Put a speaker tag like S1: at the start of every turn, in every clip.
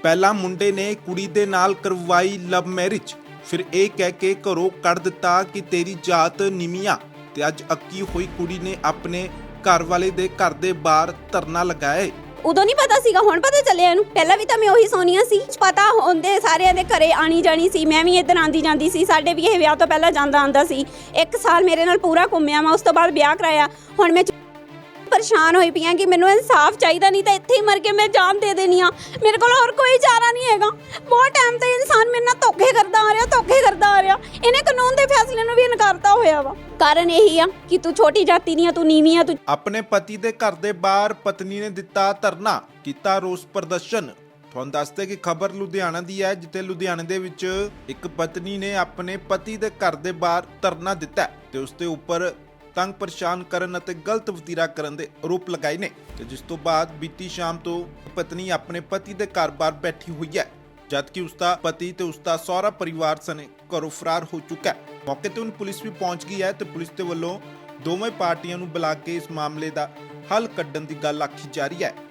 S1: ਪਹਿਲਾਂ ਮੁੰਡੇ ਨੇ ਕੁੜੀ ਦੇ ਨਾਲ ਕਰਵਾਈ ਲਵ ਮੈਰਿਜ, ਫਿਰ ਇਹ ਕਹਿ ਕੇ ਘਰੋਂ ਕੱਢ ਦਿੱਤਾ ਕਿ ਤੇਰੀ ਜਾਤ ਨੀਵੀਂ ਤੇ ਅੱਜ ਅੱਕੀ ਹੋਈ ਕੁੜੀ ਨੇ ਆਪਣੇ ਘਰ ਵਾਲੇ ਦੇ ਘਰ ਦੇ ਬਾਹਰ ਧਰਨਾ ਲਗਾਇਆ।
S2: ਉਦੋਂ ਨਹੀਂ ਪਤਾ ਸੀਗਾ, ਹੁਣ ਪਤਾ ਚੱਲਿਆ ਇਹਨੂੰ। ਪਹਿਲਾਂ ਵੀ ਤਾਂ ਮੈਂ ਉਹੀ ਸੋਨੀਆ ਸੀ, ਪਤਾ ਹੁੰਦੇ ਸਾਰਿਆਂ ਦੇ ਘਰੇ ਆਣੀ ਜਾਣੀ ਸੀ। ਮੈਂ ਵੀ ਇੱਧਰ ਆਂਦੀ ਜਾਂਦੀ ਸੀ, ਸਾਡੇ ਵੀ ਇਹ ਵਿਆਹ ਤੋਂ ਪਹਿਲਾਂ ਜਾਂਦਾ ਆਂਦਾ ਸੀ। 1 ਸਾਲ ਮੇਰੇ ਨਾਲ ਪੂਰਾ ਘੁੰਮਿਆ ਮੈਂ, ਉਸ ਤੋਂ ਬਾਅਦ ਵਿਆਹ ਕਰਾਇਆ। ਹੁਣ ਮੈਂ ਪਰੇਸ਼ਾਨ ਹੋਈ ਪਈ ਹਾਂ ਕਿ ਮੈਨੂੰ ਇਨਸਾਫ ਚਾਹੀਦਾ, ਨਹੀਂ ਤਾਂ ਇੱਥੇ ਹੀ ਮਰ ਕੇ ਮੈਂ ਜਾਨ ਦੇ ਦੇਣੀ ਆ। ਮੇਰੇ ਕੋਲ ਹੋਰ ਕੋਈ ਚਾਰਾ ਨਹੀਂ ਹੈਗਾ। ਬਹੁਤ ਟਾਈਮ ਤੋਂ ਇਨਸਾਨ ਮੇਰੇ ਨਾਲ ਧੋਖੇ ਕਰਦਾ ਆ ਰਿਹਾ। ਇਹਨੇ ਕਾਨੂੰਨ ਦੇ ਫੈਸਲੇ ਨੂੰ ਵੀ ਇਨਕਾਰਤਾ ਹੋਇਆ ਵਾ। ਕਾਰਨ ਇਹੀ ਆ ਕਿ ਤੂੰ ਛੋਟੀ ਜਾਤੀ ਨਹੀਂ ਆ, ਤੂੰ ਨੀਵੀਂ ਆ। ਤੂੰ
S1: ਆਪਣੇ ਪਤੀ ਦੇ ਘਰ ਦੇ ਬਾਹਰ ਪਤਨੀ ਨੇ ਦਿੱਤਾ ਧਰਨਾ, ਕੀਤਾ ਰੋਸ ਪ੍ਰਦਰਸ਼ਨ। ਤੁਹਾਨੂੰ ਦੱਸਦੇ ਕਿ ਖਬਰ ਲੁਧਿਆਣਾ ਦੀ ਹੈ, ਜਿੱਥੇ ਲੁਧਿਆਣੇ ਦੇ ਵਿੱਚ ਇੱਕ ਪਤਨੀ ਨੇ ਆਪਣੇ ਪਤੀ ਦੇ ਘਰ ਦੇ ਬਾਹਰ ਧਰਨਾ ਦਿੱਤਾ ਤੇ ਉਸ ਦੇ ਉੱਪਰ ਤੰਗ ਪਰੇਸ਼ਾਨ ਕਰਨ ਅਤੇ ਗਲਤ ਵਤੀਰਾ ਕਰਨ ਦੇ ਆਰੋਪ ਲਗਾਏ ਨੇ। ਤੇ ਜਿਸ ਤੋਂ ਬਾਅਦ ਬੀਤੀ ਸ਼ਾਮ ਤੋਂ ਪਤਨੀ ਆਪਣੇ ਪਤੀ ਦੇ ਘਰ ਬਾਹਰ ਬੈਠੀ ਹੋਈ ਹੈ, ਜਦਕਿ ਉਸਦਾ ਪਤੀ ਤੇ ਉਸਦਾ ਸਹੁਰਾ ਪਰਿਵਾਰ ਸਣੇ ਘਰੋਂ ਫਰਾਰ ਹੋ ਚੁੱਕਾ ਹੈ। ਮੌਕੇ ਤੇ ਹੁਣ ਪੁਲਿਸ ਵੀ ਪਹੁੰਚ ਗਈ ਹੈ ਤੇ ਪੁਲਿਸ ਦੇ ਵੱਲੋਂ ਦੋਵੇਂ ਪਾਰਟੀਆਂ ਨੂੰ ਬੁਲਾ ਕੇ ਇਸ ਮਾਮਲੇ ਦਾ ਹੱਲ ਕੱਢਣ ਦੀ ਗੱਲ ਆਖੀ ਜਾ ਰਹੀ ਹੈ।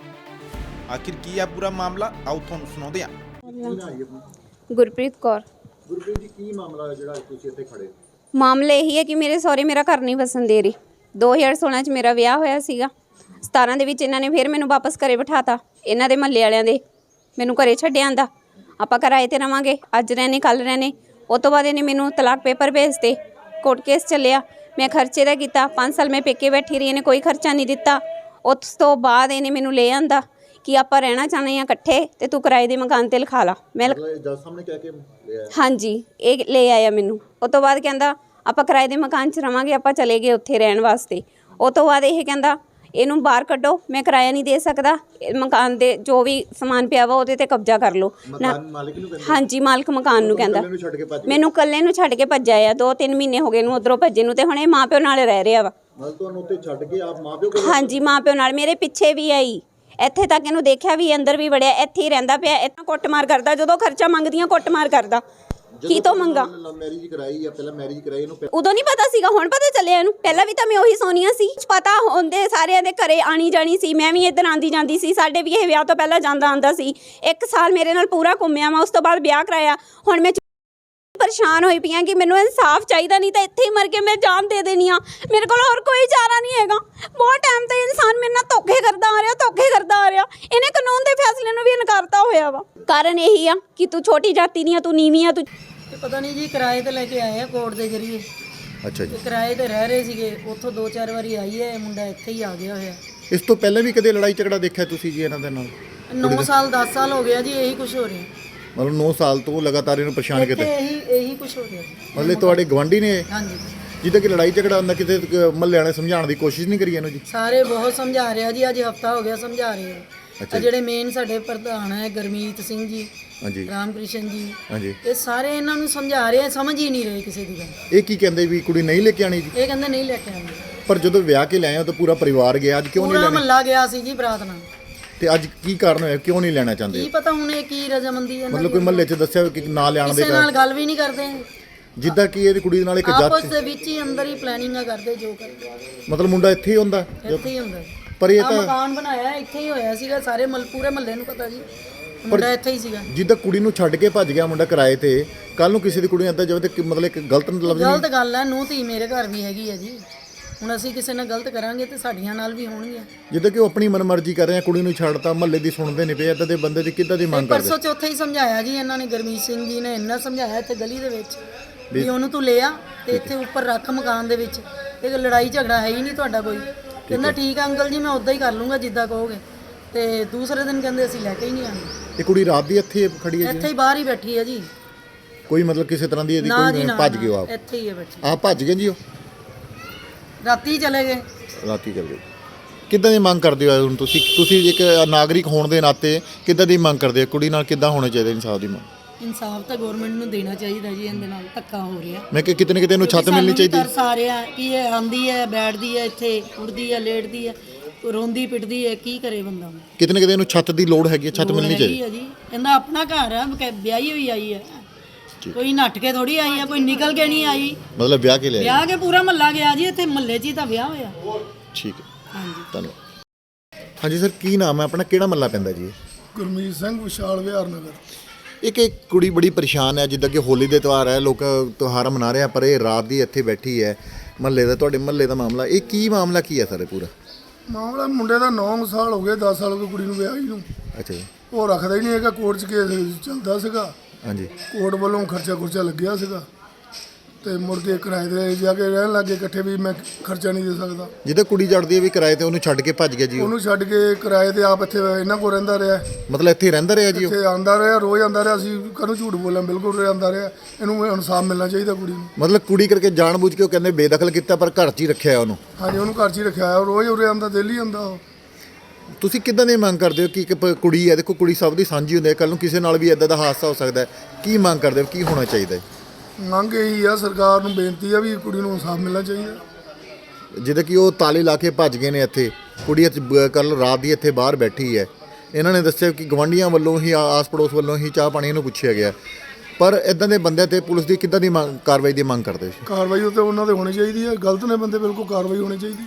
S1: ਆਖਿਰ ਕੀ ਹੈ ਪੂਰਾ ਮਾਮਲਾ, ਆਓ ਤੁਹਾਨੂੰ ਸੁਣਾਉਂਦੇ ਹਾਂ।
S2: ਗੁਰਪ੍ਰੀਤ ਕੌਰ।
S3: ਗੁਰਪ੍ਰੀਤ ਜੀ, ਕੀ ਮਾਮਲਾ ਹੈ ਜਿਹੜਾ ਤੁਸੀਂ ਇੱਥੇ ਖੜੇ?
S2: ਮਾਮਲਾ ਇਹੀ ਹੈ ਕਿ ਮੇਰੇ ਸਹੁਰੇ ਮੇਰਾ ਘਰ ਨਹੀਂ ਵਸਣ ਦੇ ਰਹੀ। 2016 'ਚ ਮੇਰਾ ਵਿਆਹ ਹੋਇਆ ਸੀਗਾ। 17 ਦੇ ਵਿੱਚ ਇਹਨਾਂ ਨੇ ਫਿਰ ਮੈਨੂੰ ਵਾਪਸ ਘਰੇ ਬਿਠਾਤਾ। ਇਹਨਾਂ ਦੇ ਮਹੱਲੇ ਵਾਲਿਆਂ ਦੇ ਮੈਨੂੰ ਘਰੇ ਛੱਡਿਆ ਆਂਦਾ, ਆਪਾਂ ਕਿਰਾਏ ਤੇ ਰਵਾਂਗੇ, ਅੱਜ ਰਹਿਣੇ ਕੱਲ ਰਹਿਣੇ। ਉਹ ਤੋਂ ਬਾਅਦ ਇਹਨੇ ਮੈਨੂੰ ਤਲਾਕ ਪੇਪਰ ਭੇਜਤੇ, ਕੋਰਟ ਕੇਸ ਚੱਲਿਆ। ਮੈਂ ਖਰਚੇ ਦਾ ਕੀਤਾ, 5 ਸਾਲ ਮੈਂ ਪੇਕੇ ਬੈਠੀ ਰਹੀ, ਇਹਨੇ ਕੋਈ ਖਰਚਾ ਨਹੀਂ ਦਿੱਤਾ। ਉਸ ਤੋਂ ਬਾਅਦ ਇਹਨੇ ਮੈਨੂੰ ਲੈ ਆਂਦਾ ਕਿ ਆਪਾਂ ਰਹਿਣਾ ਚਾਹੁੰਦੇ ਹਾਂ ਇਕੱਠੇ ਤੇ ਤੂੰ ਕਿਰਾਏ ਦੇ ਮਕਾਨ ਤੇ ਲਿਖਾ ਲਾ। ਮੈਂ
S3: ਜੱਜ ਸਾਹਮਣੇ ਕਹਿ ਕੇ ਲੈ ਆਇਆ?
S2: ਹਾਂਜੀ, ਇਹ ਲੈ ਆਇਆ ਮੈਨੂੰ। ਉਹ ਤੋਂ ਬਾਅਦ ਕਹਿੰਦਾ ਆਪਾਂ ਕਿਰਾਏ ਦੇ ਮਕਾਨ 'ਚ ਰਵਾਂਗੇ, ਆਪਾਂ ਚਲੇ ਗਏ ਉੱਥੇ ਰਹਿਣ ਵਾਸਤੇ। ਉਹ ਤੋਂ ਬਾਅਦ ਇਹ ਕਹਿੰਦਾ ਇਹਨੂੰ ਬਾਹਰ ਕੱਢੋ, ਮੈਂ ਕਿਰਾਇਆ ਨਹੀਂ ਦੇ ਸਕਦਾ, ਮਕਾਨ ਦੇ ਜੋ ਵੀ ਸਮਾਨ ਪਿਆ ਵਾ ਉਹਦੇ ਤੇ ਕਬਜ਼ਾ ਕਰ ਲਓ।
S3: ਮਾਲਕ ਨੂੰ ਕਹਿੰਦਾ?
S2: ਹਾਂਜੀ, ਮਾਲਕ ਮਕਾਨ ਨੂੰ ਕਹਿੰਦਾ। ਮੈਨੂੰ ਇਕੱਲੇ ਨੂੰ ਛੱਡ ਕੇ ਭੱਜਿਆ ਆ। 2-3 ਮਹੀਨੇ ਹੋ ਗਏ ਨੂੰ ਉਧਰੋਂ ਭੱਜੇ ਨੂੰ, ਤੇ ਹੁਣ ਇਹ ਮਾਂ ਪਿਓ ਨਾਲ ਰਹਿ ਰਿਹਾ ਵਾ।
S3: ਮਤਲਬ ਤੁਹਾਨੂੰ ਉੱਥੇ ਛੱਡ ਕੇ ਆਪ ਮਾਂ ਪਿਓ ਕੋਲ?
S2: ਹਾਂਜੀ, ਮਾਂ ਪਿਓ ਨਾਲ। ਮੇਰੇ ਪਿੱਛੇ ਵੀ ਆਈ, ਇੱਥੇ ਤੱਕ ਇਹਨੂੰ ਦੇਖਿਆ ਵੀ, ਅੰਦਰ ਵੀ ਵੜਿਆ, ਇੱਥੇ ਹੀ ਰਹਿੰਦਾ ਪਿਆ। ਇੱਥੇ ਕੁੱਟਮਾਰ ਕਰਦਾ, ਜਦੋਂ ਖਰਚਾ ਮੰਗਦੀਆਂ ਕੁੱਟਮਾਰ ਕਰਦਾ। ਕੀ ਤੋਂ ਮੰਗਾ?
S3: ਮੈਰਿਜ ਕਰਾਈ ਜਾਂ ਪਹਿਲਾਂ ਮੈਰਿਜ ਕਰਾਈ ਇਹਨੂੰ?
S2: ਉਦੋਂ ਨਹੀਂ ਪਤਾ ਸੀਗਾ, ਹੁਣ ਪਤਾ ਚੱਲਿਆ ਇਹਨੂੰ। ਪਹਿਲਾਂ ਵੀ ਤਾਂ ਮੈਂ ਉਹੀ ਸੋਨੀਆ ਸੀ, ਪਤਾ ਹੁੰਦੇ ਸਾਰਿਆਂ ਦੇ ਘਰੇ ਆਣੀ ਜਾਣੀ ਸੀ। ਮੈਂ ਵੀ ਇੱਧਰ ਆਂਦੀ ਜਾਂਦੀ ਸੀ, ਸਾਡੇ ਵੀ ਇਹ ਵਿਆਹ ਤੋਂ ਪਹਿਲਾਂ ਜਾਂਦਾ ਆਂਦਾ ਸੀ। 1 ਸਾਲ ਮੇਰੇ ਨਾਲ ਪੂਰਾ ਘੁੰਮਿਆ ਮੈਂ, ਉਸ ਤੋਂ ਬਾਅਦ ਵਿਆਹ ਕਰਾਇਆ। ਹੁਣ ਮੈਂ ਪਰੇਸ਼ਾਨ ਹੋਈ ਪਈ ਹਾਂ ਕਿ ਮੈਨੂੰ ਇਨਸਾਫ ਚਾਹੀਦਾ, ਨਹੀਂ ਤਾਂ ਇੱਥੇ ਹੀ ਮਰ ਕੇ ਮੈਂ ਜਾਨ ਦੇ ਦੇਣੀ ਆ। ਮੇਰੇ ਕੋਲ ਹੋਰ ਕੋਈ ਚਾਰਾ ਨਹੀਂ ਹੈਗਾ। ਬਹੁਤ ਟਾਈਮ ਤੋਂ ਇਨਸਾਨ ਮੇਰੇ ਨਾਲ ਧੋਖੇ ਕਰਦਾ ਆ ਰਿਹਾ। ਇਹਨੇ ਕਾਨੂੰਨ ਦੇ ਫੈਸਲੇ ਨੂੰ ਵੀ ਇਨਕਾਰਤਾ ਹੋਇਆ ਵਾ। ਕਾਰਨ ਇਹੀ ਆ ਕਿ ਤੂੰ ਛੋਟੀ ਜਾਤੀ ਨਹੀਂ ਆ, ਤੂੰ ਨੀਵੀਂ ਆ। ਤੂੰ
S4: ਪਤਾ ਨਹੀਂ ਜੀ, ਕਿਰਾਏ ਤੇ ਲੈ ਕੇ ਆਏ ਆ ਕੋਰਟ ਦੇ ਜ਼ਰੀਏ।
S3: ਅੱਛਾ ਜੀ।
S4: ਕਿਰਾਏ ਤੇ ਰਹਿ ਰਹੇ ਸੀਗੇ, ਉੱਥੋਂ 2-4 ਵਾਰੀ ਆਈ ਹੈ, ਮੁੰਡਾ ਇੱਥੇ ਹੀ ਆ ਗਿਆ ਹੋਇਆ।
S3: ਇਸ ਤੋਂ ਪਹਿਲਾਂ ਵੀ ਕਦੇ ਲੜਾਈ ਝਗੜਾ ਦੇਖਿਆ ਤੁਸੀਂ ਜੀ ਇਹਨਾਂ ਦੇ ਨਾਲ?
S4: 9 ਸਾਲ 10 ਸਾਲ ਹੋ ਗਿਆ ਜੀ, ਇਹੀ ਕੁਝ ਹੋ ਰਿਹਾ।
S3: ਮਤਲਬ 9 ਸਾਲ ਤੋਂ ਲਗਾਤਾਰ ਇਹਨੂੰ ਪਰੇਸ਼ਾਨ ਕੀਤਾ?
S4: ਇਹੀ ਕੁਝ ਹੋ ਰਿਹਾ ਜੀ।
S3: ਮਤਲਬ ਤੁਹਾਡੇ ਗਵਾਂਢੀ ਨੇ?
S4: ਹਾਂਜੀ।
S3: ਜਿੱਦਾਂ ਕਿ ਲੜਾਈ ਝਗੜਾ ਹੁੰਦਾ, ਕਿਤੇ ਮਹੱਲੇ ਵਾਲੇ ਸਮਝਾਉਣ ਦੀ ਕੋਸ਼ਿਸ਼ ਨਹੀਂ ਕਰੀ ਇਹਨੂੰ ਜੀ?
S4: ਸਾਰੇ ਬਹੁਤ ਸਮਝਾ ਰਿਹਾ ਜੀ, ਅੱਜ ਹਫਤਾ ਹੋ ਗਿਆ ਸਮਝਾ ਰਹੇ ਆ। ਜਿਹੜੇ ਮੇਨ ਸਾਡੇ ਪ੍ਰਧਾਨ ਹੈ ਗੁਰਮੀਤ ਸਿੰਘ ਜੀ,
S3: ਹਾਂਜੀ,
S4: ਰਾਮਕ੍ਰਿਸ਼ਨ ਜੀ,
S3: ਹਾਂਜੀ,
S4: ਇਹ ਸਾਰੇ ਇਹਨਾਂ ਨੂੰ ਸਮਝਾ ਰਹੇ ਆ, ਸਮਝ ਹੀ ਨਹੀਂ ਰਹੇ ਕਿਸੇ ਦੀ ਗੱਲ।
S3: ਇਹ ਕੀ ਕਹਿੰਦੇ ਵੀ ਕੁੜੀ ਨਹੀਂ ਲੈ ਕੇ ਆਣੀ ਜੀ?
S4: ਇਹ ਕਹਿੰਦੇ ਨਹੀਂ ਲੈ ਕੇ ਆਉਂਦੇ।
S3: ਪਰ ਜਦੋਂ ਵਿਆਹ ਕੇ ਲੈ ਆਏ ਤਾਂ ਪੂਰਾ ਪਰਿਵਾਰ ਗਿਆ, ਅੱਜ ਕਿਉਂ ਨਹੀਂ
S4: ਪੂਰਾ
S3: ਲੈਣਾ?
S4: ਮਹੱਲਾ ਗਿਆ ਸੀ ਜੀ ਬਰਾਤ ਨਾਲ।
S3: ਤੇ ਅੱਜ ਕੀ ਕਾਰਨ ਹੋਇਆ, ਕਿਉਂ ਨਹੀਂ ਲੈਣਾ ਚਾਹੁੰਦੇ?
S4: ਕੀ ਪਤਾ ਹੁਣ ਇਹ ਕੀ ਰਜ਼ਾਮੰਦੀ ਹੈ।
S3: ਮਤਲਬ ਕੋਈ ਮਹੱਲੇ 'ਚ ਦੱਸਿਆ ਕਿ ਨਾ ਲਿਆਉਣ ਦੇ
S4: ਕਿਸੇ ਨਾਲ ਗੱਲ ਵੀ ਨਹੀਂ ਕਰਦੇ,
S3: ਜਿੱਦਾਂ ਕਿ ਇਹਦੀ ਕੁੜੀ ਦੇ ਨਾਲ ਇੱਕ
S4: ਆਪਸ
S3: ਜੱਜ,
S4: ਦੇ ਵਿੱਚ ਹੀ ਅੰਦਰ ਹੀ ਪਲੈਨਿੰਗਾਂ ਕਰਦੇ ਜੋ ਕਰਦੇ।
S3: ਮਤਲਬ ਮੁੰਡਾ ਇੱਥੇ ਹੀ ਹੁੰਦਾ?
S4: ਇੱਥੇ ਹੀ ਹੁੰਦਾ।
S3: ਪਰ ਇਹ
S4: ਆਹ
S3: ਤਾਂ
S4: ਮਕਾਨ ਬਣਾਇਆ ਇੱਥੇ ਹੀ ਹੋਇਆ ਸੀਗਾ, ਸਾਰੇ ਪੂਰੇ ਮਹੱਲੇ ਨੂੰ ਪਤਾ ਜੀ, ਮੁੰਡਾ ਇੱਥੇ ਹੀ ਸੀਗਾ।
S3: ਜਿੱਦਾਂ ਕੁੜੀ ਨੂੰ ਛੱਡ ਕੇ ਭੱਜ ਗਿਆ ਮੁੰਡਾ ਕਿਰਾਏ ਤੇ, ਕੱਲ ਨੂੰ ਕਿਸੇ ਦੀ ਕੁੜੀ ਆਂਦਾ ਜਾਵੇ ਤੇ ਮਤਲਬ ਇੱਕ ਗਲਤ ਲਫ਼ਜ਼ ਨਹੀਂ?
S4: ਗਲਤ ਗੱਲ ਹੈ, ਨੂੰਹ ਧੀ ਮੇਰੇ ਘਰ ਵੀ ਹੈਗੀ ਹੈ ਜੀ। ਹੁਣ ਅਸੀਂ ਕਿਸੇ ਨਾਲ ਗਲਤ ਕਰਾਂਗੇ ਤੇ ਸਾਡੀਆਂ ਨਾਲ ਵੀ ਹੋਣਗੀਆਂ।
S3: ਜਿੱਦਾਂ ਕਿ ਉਹ ਆਪਣੀ ਮਨਮਰਜ਼ੀ ਕਰ ਰਹੇ ਆ, ਕੁੜੀ ਨੂੰ ਛੱਡਤਾ, ਮਹੱਲੇ ਦੀ ਸੁਣਦੇ ਨਹੀਂ ਪਏ, ਇੱਦਾਂ ਦੇ ਬੰਦੇ ਦੀ ਕਿੱਦਾਂ ਦੀ ਮੰਗ ਕਰਦੇ?
S4: ਪਰਸੋਂ ਚੌਥੇ ਹੀ ਸਮਝਾਇਆ ਜੀ ਇਹਨਾਂ ਨੇ, ਗੁਰਮੀਤ ਸਿੰਘ ਜੀ ਨੇ ਇੰਨਾ ਸਮਝਾਇਆ ਇੱਥੇ ਗਲੀ ਦੇ ਵਿੱਚ ਵੀ ਉਹਨੂੰ ਤੂੰ ਲੈ ਆ ਤੇ ਇੱਥੇ ਉੱਪਰ ਰੱਖ ਮਕਾਨ ਦੇ ਵਿੱਚ, ਇਹ ਲੜਾਈ ਝਗੜਾ ਹੈ ਹੀ ਨਹੀਂ ਤੁਹਾਡਾ ਕੋਈ। ਕਹਿੰਦਾ ਠੀਕ ਆ ਅੰਕਲ ਜੀ, ਮੈਂ ਉਦਾਂ ਹੀ ਕਰ ਲੂੰਗਾ ਜਿੱਦਾਂ ਕਹੋਗੇ। ਤੇ ਦੂਸਰੇ ਦਿਨ ਕਹਿੰਦੇ ਅਸੀਂ ਲੈ ਕੇ ਹੀ ਨਹੀਂ ਆਉਣੀ।
S3: ਇਹ ਕੁੜੀ ਰਾਤ ਦੀ ਇੱਥੇ ਖੜੀ ਹੈ
S4: ਇੱਥੇ ਹੀ ਬਾਹਰ ਹੀ ਬੈਠੀ ਹੈ ਜੀ।
S3: ਕੋਈ ਮਤਲਬ ਕਿਸੇ ਤਰ੍ਹਾਂ ਦੀ ਇਹਦੀ ਕੋਈ ਭੱਜ ਗਏ? ਆਪ
S4: ਇੱਥੇ ਹੀ ਹੈ ਬੈਠੀ।
S3: ਆਪ ਭੱਜ ਗਏ ਜੀ? ਉਹ
S4: ਰਾਤੀ ਚਲੇ ਗਏ।
S3: ਰਾਤੀ ਚਲ ਗਏ। ਕਿੱਦਾਂ ਦੀ ਮੰਗ ਕਰਦੇ ਹੋ ਹੁਣ ਤੁਸੀਂ ਇੱਕ ਨਾਗਰਿਕ ਹੋਣ ਦੇ ਨਾਤੇ ਕਿੱਦਾਂ ਦੀ ਮੰਗ ਕਰਦੇ ਹੋ? ਕੁੜੀ ਨਾਲ ਕਿੱਦਾਂ ਹੋਣਾ ਚਾਹੀਦਾ ਇਨਸਾਫ ਦੀ ਮੰਗ?
S4: ਇਨਸਾਫ ਤਾਂ ਗਵਰਨਮੈਂਟ ਨੂੰ ਦੇਣਾ ਚਾਹੀਦਾ ਜੀ, ਇਹਦੇ ਨਾਲ ਧੱਕਾ ਹੋ ਰਿਹਾ।
S3: ਮੈਂ ਕਿ ਕਿਤੇ ਨਾ ਕਿਤੇ ਇਹਨੂੰ ਛੱਤ ਮਿਲਣੀ ਚਾਹੀਦੀ।
S4: ਤਰਸ ਆ ਰਿਹਾ ਕਿ ਇਹ ਆਂਦੀ ਹੈ, ਬੈਠਦੀ ਹੈ ਇੱਥੇ, ਉੱਠਦੀ ਹੈ, ਲੇਟਦੀ ਹੈ, ਰੋਂਦੀ ਪਿੱਟਦੀ ਹੈ, ਕੀ ਕਰੇ ਬੰਦਾ?
S3: ਕਿਤੇ ਨਾ ਕਿਤੇ ਇਹਨੂੰ ਛੱਤ ਦੀ ਲੋੜ ਹੈਗੀ, ਛੱਤ ਮਿਲਣੀ ਚਾਹੀਦੀ
S4: ਹੈ ਜੀ। ਇਹਦਾ ਆਪਣਾ ਘਰ ਹੈ, ਵਿਆਹੀ ਹੋਈ ਆਈ ਹੈ, ਕੋਈ ਨੱਠ ਕੇ ਥੋੜੀ ਆਈ ਹੈ, ਕੋਈ ਨਿਕਲ ਕੇ ਨਹੀਂ ਆਈ।
S3: ਮਤਲਬ ਵਿਆਹ ਕੇ ਲਿਆ?
S4: ਵਿਆਹ ਕੇ ਪੂਰਾ ਮਹੱਲਾ ਗਿਆ ਜੀ, ਇੱਥੇ ਮਹੱਲੇ 'ਚ ਹੀ ਤਾਂ ਵਿਆਹ ਹੋਇਆ।
S3: ਠੀਕ ਹੈ,
S4: ਹਾਂਜੀ,
S3: ਧੰਨਵਾਦ। ਹਾਂਜੀ ਸਰ, ਕੀ ਨਾਮ ਹੈ ਆਪਣਾ, ਕਿਹੜਾ ਮਹੱਲਾ ਪੈਂਦਾ ਜੀ?
S5: ਗੁਰਮੀਤ ਸਿੰਘ ਵਿਸ਼ਾਲ ਵਿਹਾਰ ਨਗਰ।
S3: ਇੱਕ ਕੁੜੀ ਬੜੀ ਪਰੇਸ਼ਾਨ ਹੈ, ਜਿੱਦਾਂ ਕਿ ਹੋਲੀ ਦੇ ਤਿਉਹਾਰ ਹੈ, ਲੋਕ ਤਿਉਹਾਰ ਮਨਾ ਰਹੇ ਆ, ਪਰ ਇਹ ਰਾਤ ਦੀ ਇੱਥੇ ਬੈਠੀ ਹੈ। ਮਹੱਲੇ ਦਾ, ਤੁਹਾਡੇ ਮਹੱਲੇ ਦਾ ਮਾਮਲਾ, ਇਹ ਕੀ ਮਾਮਲਾ ਕੀ ਹੈ ਸਰ ਪੂਰਾ?
S5: ਮਾਮਲਾ ਮੁੰਡੇ ਦਾ 9 ਸਾਲ ਹੋ ਗਏ, 10 ਸਾਲ ਹੋ ਗਏ ਕੁੜੀ ਨੂੰ ਵਿਆਹੀ ਨੂੰ।
S3: ਅੱਛਾ ਜੀ।
S5: ਉਹ ਰੱਖਦਾ ਹੀ ਨਹੀਂ ਹੈਗਾ, ਕੋਰਟ 'ਚ ਕੇਸ ਚੱਲਦਾ ਸੀਗਾ,
S3: ਹਾਂਜੀ।
S5: ਕੋਰਟ ਵੱਲੋਂ ਖਰਚਾ ਲੱਗਿਆ ਸੀਗਾ ਤੇ ਮੁੜ ਕੇ ਕਿਰਾਏ ਤੇ ਜਾ ਕੇ ਰਹਿਣ ਲੱਗੇ ਇਕੱਠੇ, ਵੀ ਮੈਂ ਖਰਚਾ ਨਹੀਂ ਦੇ ਸਕਦਾ।
S3: ਜਿੱਦਾਂ ਕੁੜੀ ਚੜਦੀ ਹੈ ਵੀ ਕਿਰਾਏ ਤੇ, ਉਹਨੂੰ ਛੱਡ ਕੇ ਭੱਜ ਗਿਆ ਜੀ ਉਹ।
S5: ਉਹਨੂੰ ਛੱਡ ਕੇ ਕਿਰਾਏ ਤੇ ਆਪ ਇੱਥੇ ਇਹਨਾਂ ਕੋਲ ਰਹਿੰਦਾ ਰਿਹਾ,
S3: ਮਤਲਬ ਇੱਥੇ ਰਹਿੰਦਾ ਰਿਹਾ ਜੀ ਉਹ?
S5: ਇੱਥੇ ਆਉਂਦਾ ਰਿਹਾ, ਰੋਜ਼ ਆਉਂਦਾ ਰਿਹਾ। ਅਸੀਂ ਕਦੋਂ ਝੂਠ ਬੋਲਾਂ, ਬਿਲਕੁਲ ਆਉਂਦਾ ਰਿਹਾ। ਇਹਨੂੰ ਇਨਸਾਫ ਮਿਲਣਾ ਚਾਹੀਦਾ ਕੁੜੀ ਨੂੰ।
S3: ਮਤਲਬ ਕੁੜੀ ਕਰਕੇ ਜਾਣਬੁੱਝ ਕੇ ਉਹ ਕਹਿੰਦੇ ਬੇਦਖਲ ਕੀਤਾ, ਪਰ ਘਰ 'ਚ ਹੀ ਰੱਖਿਆ ਉਹਨੂੰ?
S5: ਹਾਂਜੀ, ਉਹਨੂੰ ਘਰ 'ਚ ਹੀ ਰੱਖਿਆ ਹੋਇਆ, ਰੋਜ਼ ਉਰੇ ਆਉਂਦਾ, ਦਿੱਲੀ ਆਉਂਦਾ ਉਹ।
S3: ਤੁਸੀਂ ਕਿੱਦਾਂ ਦੀ ਮੰਗ ਕਰਦੇ ਹੋ ਕਿ ਇੱਕ ਕੁੜੀ ਹੈ, ਦੇਖੋ ਕੁੜੀ ਸਭ ਦੀ ਸਾਂਝੀ ਹੁੰਦੀ ਹੈ, ਕੱਲ ਨੂੰ ਕਿਸੇ ਨਾਲ ਵੀ ਇਦਾਂ ਦਾ ਹਾਦਸਾ ਹੋ ਸਕਦਾ ਹੈ, ਕੀ ਮੰਗ ਕਰਦੇ ਹੋ, ਕੀ ਹੋਣਾ ਚਾਹੀਦਾ ਹੈ?
S5: ਮੰਗ ਇਹੀ ਆ, ਸਰਕਾਰ ਨੂੰ ਬੇਨਤੀ ਆ ਵੀ ਕੁੜੀ ਨੂੰ ਇਨਸਾਫ ਮਿਲਣਾ ਚਾਹੀਦਾ।
S3: ਜਿੱਦਾਂ ਕਿ ਉਹ ਤਾਲੇ ਲਾ ਕੇ ਭੱਜ ਗਏ ਨੇ, ਇੱਥੇ ਕੁੜੀ ਕੱਲ ਰਾਤ ਦੀ ਇੱਥੇ ਬਾਹਰ ਬੈਠੀ ਹੈ। ਇਹਨਾਂ ਨੇ ਦੱਸਿਆ ਕਿ ਗਵਾਂਢੀਆਂ ਵੱਲੋਂ ਹੀ, ਆਸ ਪੜੋਸ ਵੱਲੋਂ ਹੀ ਚਾਹ ਪਾਣੀ ਇਹਨੂੰ ਪੁੱਛਿਆ ਗਿਆ, ਪਰ ਇਦਾਂ ਦੇ ਬੰਦਿਆਂ ਤੇ ਪੁਲਿਸ ਦੀ ਕਿੱਦਾਂ ਦੀ ਕਾਰਵਾਈ ਦੀ ਮੰਗ ਕਰਦੇ ਹੋ?
S5: ਕਾਰਵਾਈ ਉੱਤੇ ਉਹਨਾਂ ਦੇ ਹੋਣੀ ਚਾਹੀਦੀ ਹੈ, ਗਲਤ ਨੇ ਬੰਦੇ, ਬਿਲਕੁਲ ਕਾਰਵਾਈ ਹੋਣੀ ਚਾਹੀਦੀ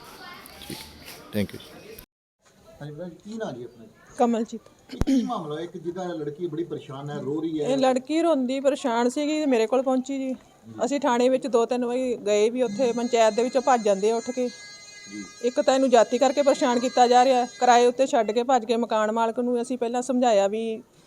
S5: ਹੈ।
S3: Thank you. ਹਾਂਜੀ ਭਰਾ ਜੀ, ਕੀ ਨਾਂ ਜੀ ਆਪਣਾ?
S6: ਕਮਲਜੀਤ।
S3: ਕੀ ਮਾਮਲਾ ਹੈ? ਇੱਕ ਜਿਹਦਾ ਲੜਕੀ ਬੜੀ ਪਰੇਸ਼ਾਨ ਹੈ, ਰੋ ਰਹੀ ਹੈ।
S6: ਇਹ ਲੜਕੀ ਰੋਂਦੀ ਪਰੇਸ਼ਾਨ ਸੀਗੀ ਤੇ ਮੇਰੇ ਕੋਲ ਪਹੁੰਚੀ ਜੀ। ਅਸੀਂ ਥਾਣੇ ਵਿੱਚ 2-3 ਵਾਰੀ ਗਏ ਵੀ, ਉੱਥੇ ਪੰਚਾਇਤ ਦੇ ਵਿੱਚੋਂ ਭੱਜ ਜਾਂਦੇ ਆ ਉੱਠ ਕੇ। ਇੱਕ ਤਾਂ ਇਹਨੂੰ ਜਾਤੀ ਕਰਕੇ ਪਰੇਸ਼ਾਨ ਕੀਤਾ ਜਾ ਰਿਹਾ, ਕਿਰਾਏ ਉੱਤੇ ਛੱਡ ਕੇ ਭੱਜ ਕੇ ਮਕਾਨ ਮਾਲਕ ਨੂੰ ਅਸੀਂ ਪਹਿਲਾਂ ਸਮਝਾਇਆ ਵੀ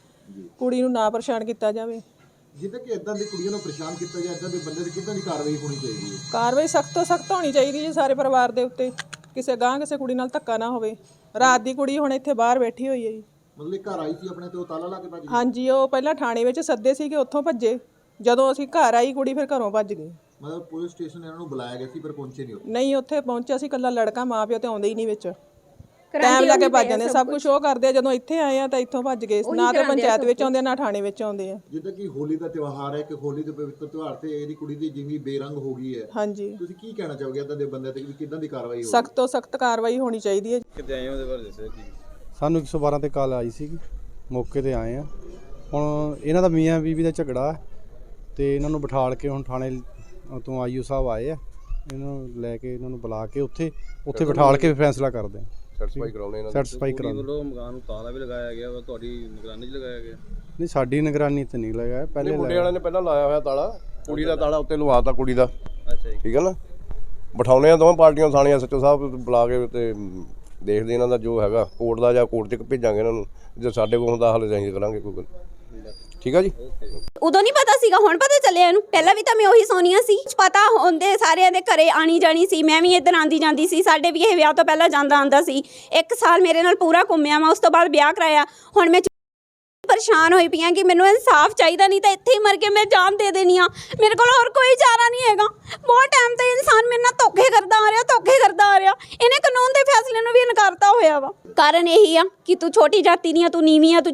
S6: ਕੁੜੀ ਨੂੰ ਨਾ ਪਰੇਸ਼ਾਨ ਕੀਤਾ ਜਾਵੇ।
S3: ਜਿੱਦਾਂ ਕਿ ਇਦਾਂ ਦੀ ਕੁੜੀਆਂ ਨੂੰ ਪਰੇਸ਼ਾਨ ਕੀਤਾ ਜਾਂ ਇਦਾਂ ਦੇ ਬੰਦੇ ਦੀ ਕਿੱਦਾਂ ਦੀ ਕਾਰਵਾਈ ਹੋਣੀ ਚਾਹੀਦੀ ਹੈ?
S6: ਕਾਰਵਾਈ ਸਖਤ ਤੋਂ ਸਖਤ ਹੋਣੀ ਚਾਹੀਦੀ ਜੀ ਸਾਰੇ ਪਰਿਵਾਰ ਦੇ ਉੱਤੇ, ਕਿਸੇ ਕੁੜੀ ਨਾਲ ਧੱਕਾ ਨਾ ਹੋਵੇ। ਰਾਤ ਦੀ ਕੁੜੀ ਹੁਣ ਇੱਥੇ ਬਾਹਰ ਬੈਠੀ ਹੋਈ ਹੈ ਜੀ।
S3: ਮਤਲਬ ਘਰ ਆਈ ਸੀ ਆਪਣੇ ਤੇ ਉਹ ਤਾਲਾ ਲਾ ਕੇ ਭੱਜ ਗਈ?
S6: ਹਾਂਜੀ, ਉਹ ਪਹਿਲਾਂ ਥਾਣੇ ਵਿੱਚ ਸੱਦੇ ਸੀਗੇ, ਉੱਥੋਂ ਭੱਜੇ। ਜਦੋਂ ਅਸੀਂ ਘਰ ਆਈ ਕੁੜੀ, ਫਿਰ ਘਰੋਂ ਭੱਜ ਗਈ।
S3: ਮਤਲਬ ਪੁਲਿਸ ਸਟੇਸ਼ਨ ਇਹਨਾਂ ਨੂੰ ਬੁਲਾਇਆ ਗਿਆ ਸੀ ਪਰ ਪਹੁੰਚੇ ਨਹੀਂ?
S6: ਨਹੀਂ, ਉੱਥੇ ਪਹੁੰਚਿਆ ਸੀ ਇਕੱਲਾ ਲੜਕਾ, ਮਾਂ ਪਿਓ ਤੇ ਆਉਂਦੇ ਹੀ ਨਹੀਂ ਵਿੱਚ, ਟਾਈਮ ਲਾ ਕੇ ਭੱਜ ਜਾਂਦੇ। ਸਭ ਕੁਝ ਉਹ ਕਰਦੇ ਆ, ਜਦੋਂ ਇੱਥੇ ਆਏ ਆ ਤਾਂ ਇੱਥੋਂ ਭੱਜ ਗਏ। ਨਾ ਤੇ ਪੰਚਾਇਤ ਵਿੱਚ ਆਉਂਦੇ, ਨਾ ਥਾਣੇ ਵਿੱਚ ਆਉਂਦੇ ਆ।
S3: ਜਿੱਦਾਂ ਕਿ ਹੋਲੀ ਦਾ ਤਿਉਹਾਰ ਹੈ, ਕਿ ਹੋਲੀ ਦੇ ਪਵਿੱਤਰ ਤਿਉਹਾਰ ਤੇ ਇਹਦੀ ਕੁੜੀ ਦੀ ਜ਼ਿੰਦਗੀ ਬੇਰੰਗ ਹੋ ਗਈ ਹੈ।
S6: ਹਾਂਜੀ,
S3: ਤੁਸੀਂ ਕੀ ਕਹਿਣਾ ਚਾਹੋਗੇ ਇਦਾਂ ਦੇ ਬੰਦੇ ਤੇ ਵੀ ਕਿੱਦਾਂ ਦੀ ਕਾਰਵਾਈ ਹੋਵੇ?
S6: ਸਖਤ ਤੋਂ ਸਖਤ ਕਾਰਵਾਈ ਹੋਣੀ ਚਾਹੀਦੀ ਹੈ।
S7: ਕਿਤੇ ਆਏ ਉਹਦੇ ਬਾਰੇ ਦੱਸਿਆ ਕੀ?
S8: ਸਾਨੂੰ 112 ਤੇ ਕਾਲ ਆਈ ਸੀਗੀ, ਮੌਕੇ ਤੇ ਆਏ ਆ। ਹੁਣ ਇਹਨਾਂ ਦਾ ਮੀਆਂ ਬੀਵੀ ਦਾ ਝਗੜਾ ਤੇ ਇਹਨਾਂ ਨੂੰ ਬਿਠਾਲ ਕੇ ਹੁਣ ਥਾਣੇ ਤੋਂ ਆਈਓ ਸਾਹਿਬ ਆਏ ਆ, ਇਹਨਾਂ ਨੂੰ ਲੈ ਕੇ ਇਹਨਾਂ ਨੂੰ ਬੁਲਾ ਕੇ ਉੱਥੇ ਬਿਠਾਲ ਕੇ ਫੈਸਲਾ ਕਰਦੇ ਆ।
S7: ਸੈਟੀਸਫਾਈ ਕਰਾਉਣੇ ਇਹਨਾਂ
S8: ਸੈਟੀਸਫਾਈ ਕਰਾਉਣੇ
S7: ਵੱਲੋਂ ਮਕਾਨ ਨੂੰ ਤਾਲਾ ਵੀ ਲਗਾਇਆ ਗਿਆ ਵਾ, ਤੁਹਾਡੀ ਨਿਗਰਾਨੀ 'ਚ ਲਗਾਇਆ ਗਿਆ?
S8: ਨਹੀਂ, ਸਾਡੀ ਨਿਗਰਾਨੀ ਤੇ ਨਹੀਂ ਲਗਾਇਆ, ਪਹਿਲੇ
S7: ਮੁੰਡੇ ਵਾਲਿਆਂ ਨੇ ਪਹਿਲਾਂ ਲਾਇਆ ਹੋਇਆ ਤਾਲਾ, ਕੁੜੀ ਦਾ ਤਾਲਾ ਉੱਤੇ ਲਵਾਤਾ ਕੁੜੀ ਦਾ। ਅੱਛਾ ਜੀ, ਠੀਕ ਹੈ ਨਾ। ਬਿਠਾਉਣੇ ਆ ਦੋਵੇਂ ਪਾਰਟੀਆਂ, ਥਾਣੀਆਂ ਸੱਚੋ ਸਾਹਿਬ ਬੁਲਾ ਕੇ ਤੇ ਦੇਖਦੇ ਇਹਨਾਂ ਦਾ ਜੋ ਹੈਗਾ ਕੋਰਟ ਦਾ, ਜਾਂ ਕੋਰਟ 'ਚ ਭੇਜਾਂਗੇ ਇਹਨਾਂ ਨੂੰ। ਜੇ ਸਾਡੇ ਕੋਲ ਹੁੰਦਾ ਹੱਲ ਅਸੀਂ ਕਰਾਂਗੇ ਕੋਈ ਗੱਲ। ਠੀਕ ਆ ਜੀ।
S2: ਉਦੋਂ ਨਹੀਂ ਪਤਾ ਸੀਗਾ, ਹੁਣ ਪਤਾ ਚੱਲਿਆ ਇਹਨੂੰ। ਪਹਿਲਾਂ ਵੀ ਤਾਂ ਮੈਂ ਉਹੀ ਸੋਨੀਆ ਸੀ, ਪਤਾ ਹੁੰਦੇ ਸਾਰਿਆਂ ਦੇ ਘਰੇ ਆਣੀ ਜਾਣੀ ਸੀ। ਮੈਂ ਵੀ ਇੱਧਰ ਆਂਦੀ ਜਾਂਦੀ ਸੀ, ਸਾਡੇ ਵੀ ਇਹ ਵਿਆਹ ਤੋਂ ਪਹਿਲਾਂ ਜਾਂਦਾ ਆਂਦਾ ਸੀ। 1 ਸਾਲ ਮੇਰੇ ਨਾਲ ਪੂਰਾ ਘੁੰਮਿਆ ਮੈਂ, ਉਸ ਤੋਂ ਬਾਅਦ ਵਿਆਹ ਕਰਾਇਆ। ਹੁਣ ਮੈਂ ਪਰੇਸ਼ਾਨ ਹੋਈ ਪਈ ਆ ਕਿ ਮੈਨੂੰ ਇਨਸਾਫ ਚਾਹੀਦਾ, ਨਹੀਂ ਤਾਂ ਇੱਥੇ ਹੀ ਮਰ ਕੇ ਮੈਂ ਜਾਨ ਦੇ ਦੇਣੀ ਆ। ਮੇਰੇ ਕੋਲ ਹੋਰ ਕੋਈ ਚਾਰਾ ਨਹੀਂ ਹੈਗਾ। ਬਹੁਤ ਟਾਈਮ ਤੋਂ ਇਨਸਾਨ ਮੇਰੇ ਨਾਲ ਧੋਖੇ ਕਰਦਾ ਆ ਰਿਹਾ। ਇਹਨੇ ਕਾਨੂੰਨ ਦੇ ਫੈਸਲੇ ਨੂੰ ਵੀ ਇਨਕਾਰਤਾ ਹੋਇਆ ਵਾ। ਕਾਰਨ ਇਹੀ ਆ ਕਿ ਤੂੰ ਛੋਟੀ ਜਾਤੀ ਦੀ ਆ, ਤੂੰ ਨੀਵੀਂ ਆ, ਤੂੰ